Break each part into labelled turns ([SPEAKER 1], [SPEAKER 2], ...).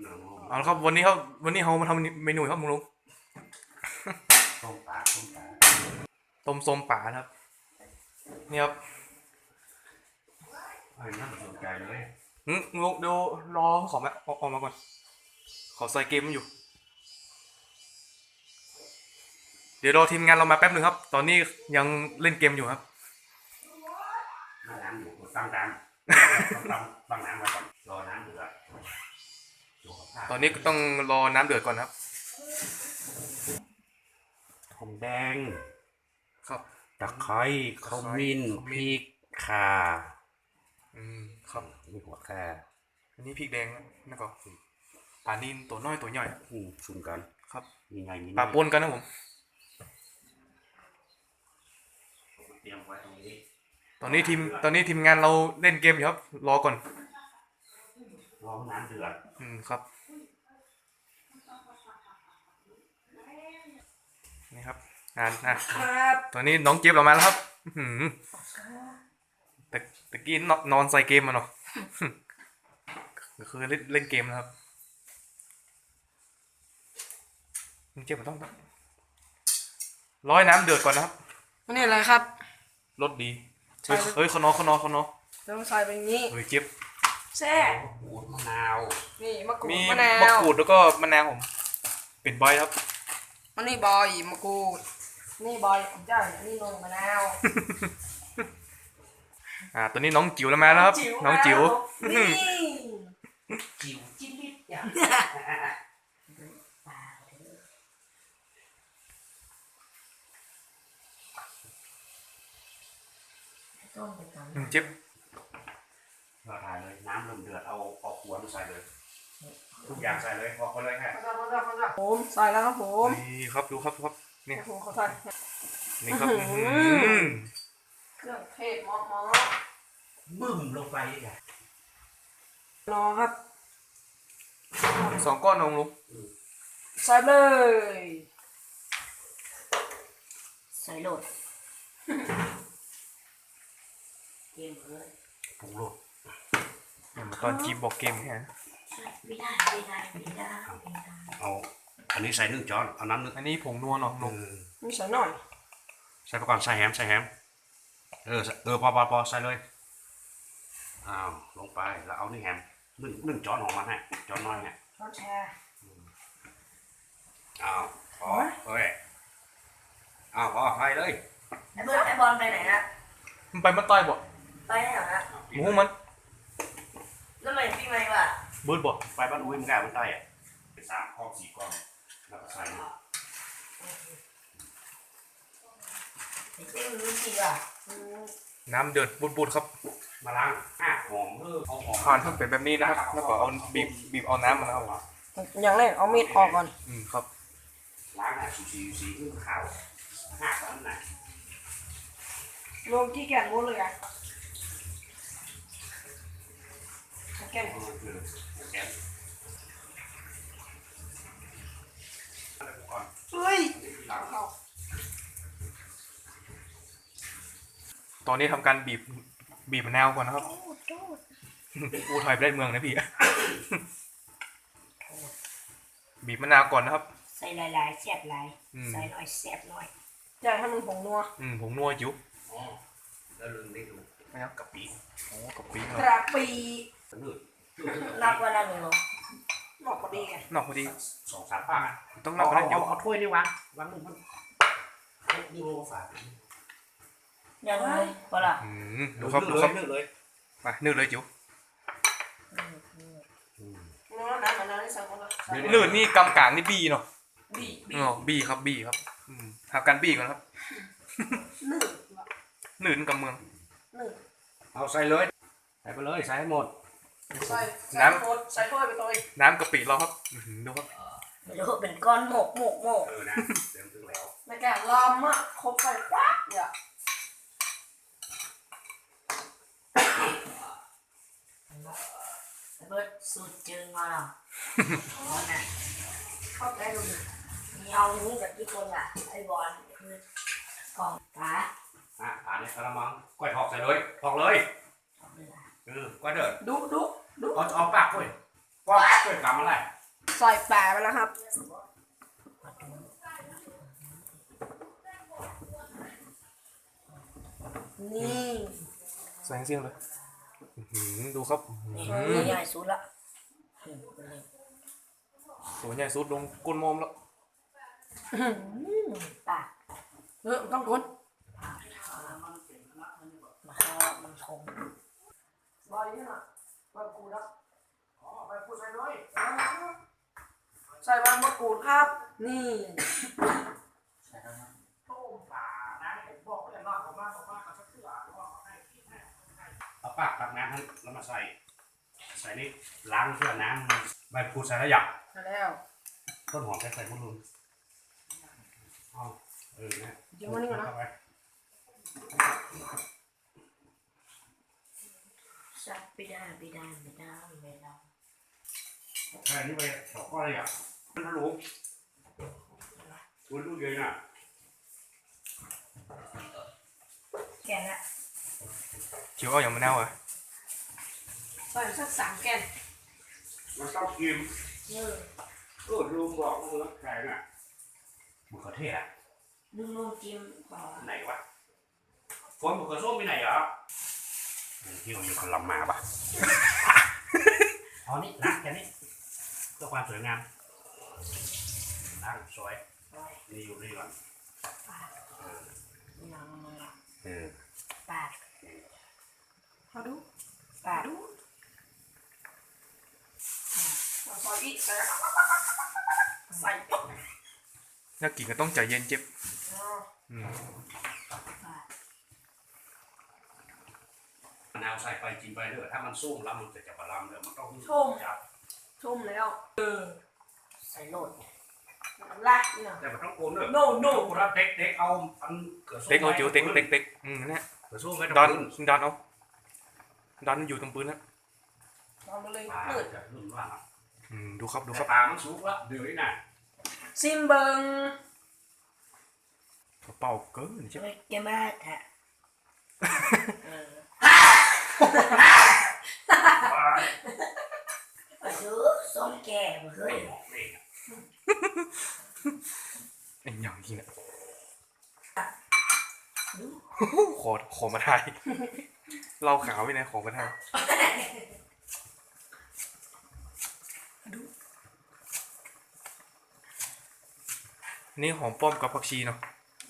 [SPEAKER 1] เอาละครับวันนี้เรามาทำเมนูครับลุง
[SPEAKER 2] ต้มปลา
[SPEAKER 1] ต้มส้มป่าครับนี่ครับ
[SPEAKER 2] น่าสนใจเลย
[SPEAKER 1] ลุงเดี๋ยวรอขอมาออกมาก่อนขอใส่เกมมันอยู่เดี๋ยวรอทีมงานเรามาแป๊บนึงครับตอนนี้ยังเล่นเกมอยู่ครับ
[SPEAKER 2] น้ำอยู่ตั้งน้ำไว้ก่อนรอน้ำเดือด
[SPEAKER 1] ตอนนี้ก็ต้องรอน้ำเดือดก่อนครับ
[SPEAKER 2] หอมแดง
[SPEAKER 1] ครับ
[SPEAKER 2] ตะไคร้ขมิ้นพริกข่า
[SPEAKER 1] ครับ
[SPEAKER 2] มีหัวข่า
[SPEAKER 1] อันนี้พริกแดงนะก็ปลานิลตัวน้อยตัวใหญ่
[SPEAKER 2] ชุมกัน
[SPEAKER 1] ครับ
[SPEAKER 2] มีไงมี
[SPEAKER 1] ปลาปนกันนะผม
[SPEAKER 2] เตรียมไว้ตรงนี้
[SPEAKER 1] ตอนนี้ทีมงานเราเล่นเกมอยู่ครับรอก่อน
[SPEAKER 2] รอน้ำเดือด
[SPEAKER 1] ครับนี่ครับตอนนี้น้องเจี๊ยบเรามาแล้วครับแต่กี้นอนใส่เกมมาเนาะก็คือเล่นเกมนะครับน้องเจี๊ยบมันต้องร้อยน้ำเดือดก่อนนะครับ
[SPEAKER 3] นี่อะไรครับ
[SPEAKER 1] รสดีเฮ้ยขนอ
[SPEAKER 3] ต้องใส่เป็นงี้
[SPEAKER 1] เฮ้ยเจี๊ยบ
[SPEAKER 3] แซ่
[SPEAKER 2] มะนาว
[SPEAKER 3] นี่มะกรูด
[SPEAKER 1] มี
[SPEAKER 3] มะนาว
[SPEAKER 1] มะกรูดแล้วก็มะนาวผมเป็นใบครับ
[SPEAKER 3] อันนี้บอยมะกรูดนี่บอยผมจ่ายอันนี้นมมะนาว
[SPEAKER 1] ตัวนี้น้องจิ๋วแล้วมาแล้วครับน้องจิ๋ว
[SPEAKER 3] นี่
[SPEAKER 2] จิ๋วจิ้มนิดอย่าง
[SPEAKER 1] เจี๊ยบ
[SPEAKER 2] เราถ่ายเลยน้ำเริ่มเดือดเอาขวดใส่เลยทุกอย่างใส่เลยพอเลยฮะ
[SPEAKER 3] ผมใส่แล้วครับผม
[SPEAKER 1] นี่ครับดูครับนี่
[SPEAKER 3] ผมเขาใส่
[SPEAKER 1] นี่ครับ
[SPEAKER 3] เครื่องเทศหม้อ
[SPEAKER 2] บึ้มลงไปอ่ะ
[SPEAKER 3] รอครับ
[SPEAKER 1] 2 ก้อนลุง
[SPEAKER 3] ใส่เลยใส่โหลดเกมเลย
[SPEAKER 2] ปรุงรส
[SPEAKER 1] ตอนจีบบอกเกมแค่
[SPEAKER 3] ไม่ได้
[SPEAKER 2] เอาอันนี้ใส่1 ช้อนเอาน้ำ1
[SPEAKER 1] อันนี้ผงนัวเนาะลุง
[SPEAKER 3] มีใส่หน่อย
[SPEAKER 2] ใส่ไปก่อนใส่แฮมพอใส่เลยอ้าวลงไปแล้วเอานี่แฮม1 ช้อนของมันฮะช้อนน้อยฮะ
[SPEAKER 3] ช้อนแชร์
[SPEAKER 2] อ้าวพอเฮ้ยอ้าวพอไปเลย
[SPEAKER 3] ไอ้บอลไปไหนนะ
[SPEAKER 1] มันไปมันต้อยบ่
[SPEAKER 3] ไปไหนนะ
[SPEAKER 1] หมูมัน
[SPEAKER 3] แล้วมันปีใหม่ว่ะ
[SPEAKER 1] เบิร์ดบ่
[SPEAKER 2] ไปบ้านอุ้ยมันกล้ามันใต้อ่ะเป็น3 ก้อน 4 ก้อนแล้วก็ใส่
[SPEAKER 1] น้ำเดือดบุดครับ
[SPEAKER 2] มาล้างหอมเอาหอม
[SPEAKER 1] ผ่านทั้งเป็นแบบนี้นะครับแล้วก็เอาบีบเอาน้ำมาแล้ว
[SPEAKER 3] อย่างแรกเอามีดออกก่อน
[SPEAKER 1] ครับ
[SPEAKER 2] ล้างสีขาวตอนไหน
[SPEAKER 3] ลงที่แกนวุ้นเลยอ่ะแกนเฮ้ย
[SPEAKER 1] ตอนนี้ทำการบีบมะนาวก่อนนะครับอูถอยไปได้เมืองนะพี่บีบมะนาวก่อนนะครับ
[SPEAKER 3] ใส่หลายๆแซ่บหลายใส่หน่อยแซ่บหน่อยอยากให้มันผงนัว
[SPEAKER 1] ผงนัวจิ๋ว
[SPEAKER 2] แล้วลืมได้ดู
[SPEAKER 1] นะครับกะปิกะปิ
[SPEAKER 3] นับว่านั่นเลยเหรอนอกพอดีไง
[SPEAKER 1] นอกพอดี
[SPEAKER 2] 2-3 ป้า
[SPEAKER 1] ต้องนับกันเดี๋ยว
[SPEAKER 2] เอาถ้วยนี่วางมือมันดูฝา
[SPEAKER 3] ยังไงพอละ
[SPEAKER 1] ดูครับ
[SPEAKER 2] นึกเลย
[SPEAKER 1] ไปนึกเลยจิ๋วนืดนี่กำกางนี่บีเนาะบีครับหาการบีก่อนครับนืดกำเมือง
[SPEAKER 2] เอาใส่เลยใส่ไปเลยใส่ให้หมด
[SPEAKER 1] น้ำ
[SPEAKER 3] ใส่ถ้วยไปตัว
[SPEAKER 1] น้ำกะปิเราครับดูครับ
[SPEAKER 3] ไม่รู้เป็นก้อนหมก
[SPEAKER 2] นะเต็มถึงแล้ว
[SPEAKER 3] ในแกะลอมอ่ะครบไปควักเนี่ยเบิร์ดสูตรจึงมาหรอเข้าใจดูมีเอานี้กับที่คนอ่ะไอ้บอลคือกล่องฟ้า
[SPEAKER 2] นี่กระมังก้อยถอกใส่เลยถอกเลยก้อยเดือด
[SPEAKER 3] ดู
[SPEAKER 2] เอาปากก้อยกำอะไร
[SPEAKER 4] ใส่แปะไปแล้วครับนี่
[SPEAKER 1] ใส่เสียงเลยดูครับ
[SPEAKER 3] นี่ตัวใหญ่สุดละ
[SPEAKER 1] ตัวใหญ่สุดลงก้นมอมแล้ว
[SPEAKER 3] ปาก
[SPEAKER 4] ต้องกด
[SPEAKER 3] มาเข้ามันคง
[SPEAKER 4] บอยนี่น่ะบอยกูแล้วใส่ใบมะกรูดครับ นี่
[SPEAKER 2] เอาปากตักน้ำให้แล้วมาใส่นี่ล้างเพื่อน้ำใบพูดใส่แล้วหยับ
[SPEAKER 4] มาแล้ว
[SPEAKER 2] ต้นหอมใส่หมดเลยเอานะ
[SPEAKER 4] เดี๋ยววันนี้ก่อนนะ
[SPEAKER 2] เข้าไป
[SPEAKER 3] สักไม่ได้ไม่ได้ไม่ได้ไม่ได้
[SPEAKER 2] ใส่นี่ไปสองก้อนเลยอ่ะมันทะลุคุณลูกเยอะน่ะ
[SPEAKER 3] แกนละ
[SPEAKER 1] เขียวเอาอย่างมะนาวอ่ะ
[SPEAKER 4] ใส่สัก3 แกน
[SPEAKER 2] มันต้องกินลุงบอกลุงรักแข็งอ่ะมะเขือเทศอ่ะ
[SPEAKER 3] นุ่มๆจิ้มก่อน
[SPEAKER 2] ไหนวะคนมะเขือส้มไปไหนเหรอที่มันอยู่กับลำมาปะเอานี่ล้างแค่นี้เพื่อความสวยงามล้างสวยนี่อยู่นี่ก่อน
[SPEAKER 3] น้ำมัน ปาก
[SPEAKER 4] มาดู
[SPEAKER 3] ปาก
[SPEAKER 4] มาซอยอีกใส่ใส่
[SPEAKER 1] นักกินก็ต้องใจเย็นเจ็บ
[SPEAKER 2] มะนาวใส่ไปกินไปเถอะถ้ามันส้มแล้วมันจะบะลำเดี๋ยวมันต้องจับ
[SPEAKER 4] ชุ่มแล้ว
[SPEAKER 3] ใส่โหลด
[SPEAKER 4] ลากนี่นะ
[SPEAKER 2] แต่มันต้องโกนด้วย
[SPEAKER 4] no
[SPEAKER 2] คนละเด็กเอาอันเขือส้ม
[SPEAKER 1] เต็กเอาจิ๋วเต็กเต็กเนี่ย
[SPEAKER 2] เขือส้มไม่
[SPEAKER 1] ด
[SPEAKER 2] ต้
[SPEAKER 1] อ
[SPEAKER 2] อน ง
[SPEAKER 1] ดอนเอาดอนอยู่ตรงปืนนะ
[SPEAKER 4] ทำมาเลย
[SPEAKER 2] ปลา
[SPEAKER 4] เปิด
[SPEAKER 2] จะรุ่นว่า
[SPEAKER 1] ดูครับดูค
[SPEAKER 2] แต่
[SPEAKER 1] รับ
[SPEAKER 2] ปลามันสุกแล้วเดี๋ยวนี้น่ะ
[SPEAKER 4] ซิมเบิง
[SPEAKER 1] กระเป๋าเกินใช่ไหม
[SPEAKER 3] แกมาแทะ
[SPEAKER 2] ปลา
[SPEAKER 3] ดูส้มแก่มาเฮ้ย
[SPEAKER 1] ไอ้อย่างที่เนี่ยขอมาถ่ายเราขาวไปไหนขอมาถ่ายนี่หอมป้อมกับผักชีเนาะ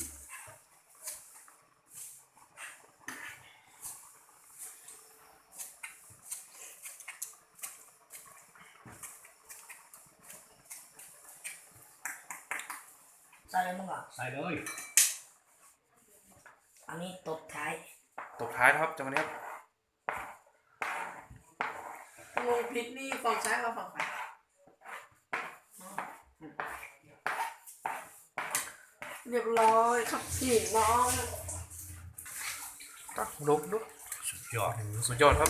[SPEAKER 3] ใส่อะไรมึงอ่ะ
[SPEAKER 2] ใส่เลย
[SPEAKER 3] อันนี้ตบท้าย
[SPEAKER 1] ตบท้ายนะครับจังหวะนี้ครับ
[SPEAKER 4] ลงพริกนี่ฝั่งซ้ายกับฝั่งขวาเรียบร้อยครับพี่น้อง
[SPEAKER 1] ลุก
[SPEAKER 2] สุดยอด
[SPEAKER 1] สุดยอดครับ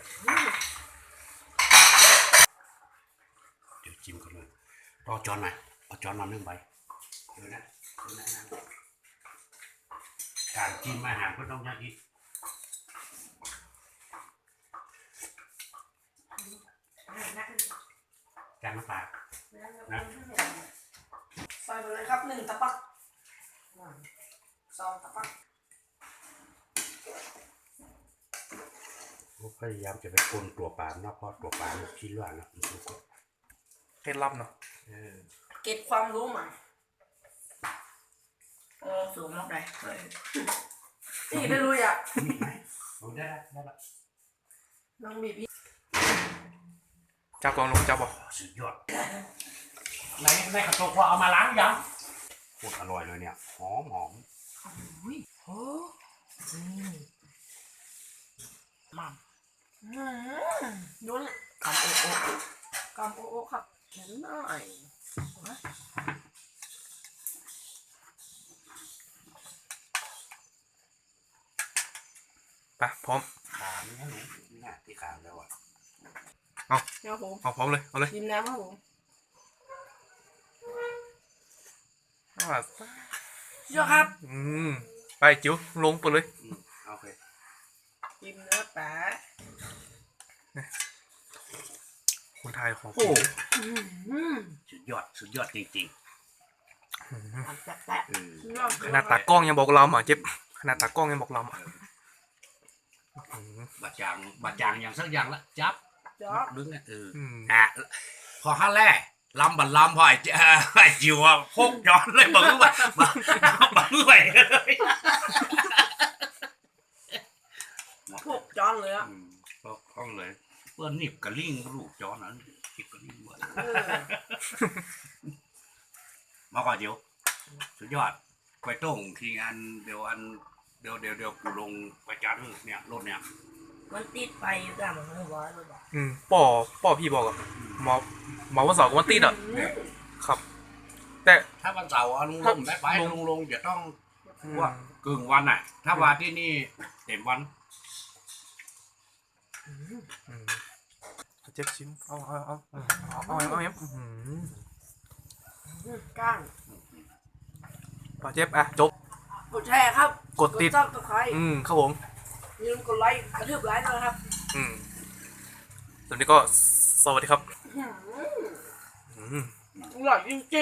[SPEAKER 2] เดี๋ยวจิ้มกันเลยรอจอนหน่อยเอาจอนมา1 ใบเดี๋ยวนะการกินอาหารก็ต้องอย่างนี้การน้ำปลานะ
[SPEAKER 4] ใส่ไปเลยครับ1 ตะปัก2 ตะปัก
[SPEAKER 2] พยายามจะไปคนตัวปลาเนาะเพราะตัวปลามันคิดว่านะมันสุก
[SPEAKER 1] เคล็ดลับเนาะ
[SPEAKER 4] เก็บความรู้ใหม่
[SPEAKER 3] โอ้สูงมากเลยเฮ้ย
[SPEAKER 4] นี่ได้รู้อ่ะ
[SPEAKER 2] มีไหมเอาได้ละ
[SPEAKER 4] น้องบีบ
[SPEAKER 1] จับกองลงจับบอก
[SPEAKER 2] สุดยอดในกระตุกว่าเอามาล้างยังโคตรอร่อยเลยเนี่ยหอม
[SPEAKER 3] โอ้มัม
[SPEAKER 4] ดูนะ
[SPEAKER 3] คำโอ้โอ้
[SPEAKER 4] กำโอ้ครับเห็นหน่อย
[SPEAKER 1] ไปพร้อม
[SPEAKER 2] ขาไม่ให้หนูเนี่ยที่ขาแล้วอ่ะ
[SPEAKER 4] เดี๋ยวผม
[SPEAKER 1] เอาพร้อมเลยเอาเลย
[SPEAKER 4] ชิมน้ำครับผม เยอะครับ
[SPEAKER 1] ไปจิ๋วลงไปเลย
[SPEAKER 2] โอเค
[SPEAKER 4] ชิมเนื้อปลา
[SPEAKER 1] คนไทยของ
[SPEAKER 2] โอ้
[SPEAKER 3] อืม
[SPEAKER 2] สุดยอดจริง
[SPEAKER 1] อืม
[SPEAKER 3] ทำแตะ
[SPEAKER 2] ๆ
[SPEAKER 1] ขนาดตากล้องยังบอกเราอ่ะเจ็บขนาดตากล้องยังบอกเราอ่ะอืม
[SPEAKER 2] บาจางอย่างสักอย่างละจับ
[SPEAKER 4] จ๊อบ
[SPEAKER 2] ดึงเนี่ย
[SPEAKER 1] อืม
[SPEAKER 2] พอขั้นแรกลำบัดลำพอไอ้จิวอะพกย้อนเลยบอกว่าบังไหวเลย
[SPEAKER 4] พวกจอนเลยอ่ะ
[SPEAKER 2] พกห้องเลยเพื่อนหนิบกระลิ่งลูกย้อนนั้นหนิบกระลิ่งหมด
[SPEAKER 4] เออ
[SPEAKER 2] มาก่อนเดี๋ยวสุดยอดไปต้งทีงานเดี๋ยวกูลงไปจัดเนี่ยรถเนี่ย
[SPEAKER 3] มันติดไปอยู่กันมันไม่บอกเลยบอก
[SPEAKER 1] ป่อพี่บอกอ่ะหมอวันเสาร์กับวันติดอ่ะครับ แต่
[SPEAKER 2] ถ้าวันเสาร์ลุงลงได้ไปลุงจะต้องว่ากึ่งวันอ่ะ ถ้าวันที่นี่เต็มวัน
[SPEAKER 1] อืมเจ็บชิ้นเอาเอฟ
[SPEAKER 4] ก้าง
[SPEAKER 1] ป่าเจ็บอ่ะจบ
[SPEAKER 4] กดแชร์ครับ
[SPEAKER 1] กดติด
[SPEAKER 4] ซับสไครต์
[SPEAKER 1] ครับผม
[SPEAKER 4] อย่าลืมกดไลค์กระทืบไลค์ด้วยนะครับ
[SPEAKER 1] ตอนนี้ก็สวัสดีครับ
[SPEAKER 4] อร่อยจริงๆ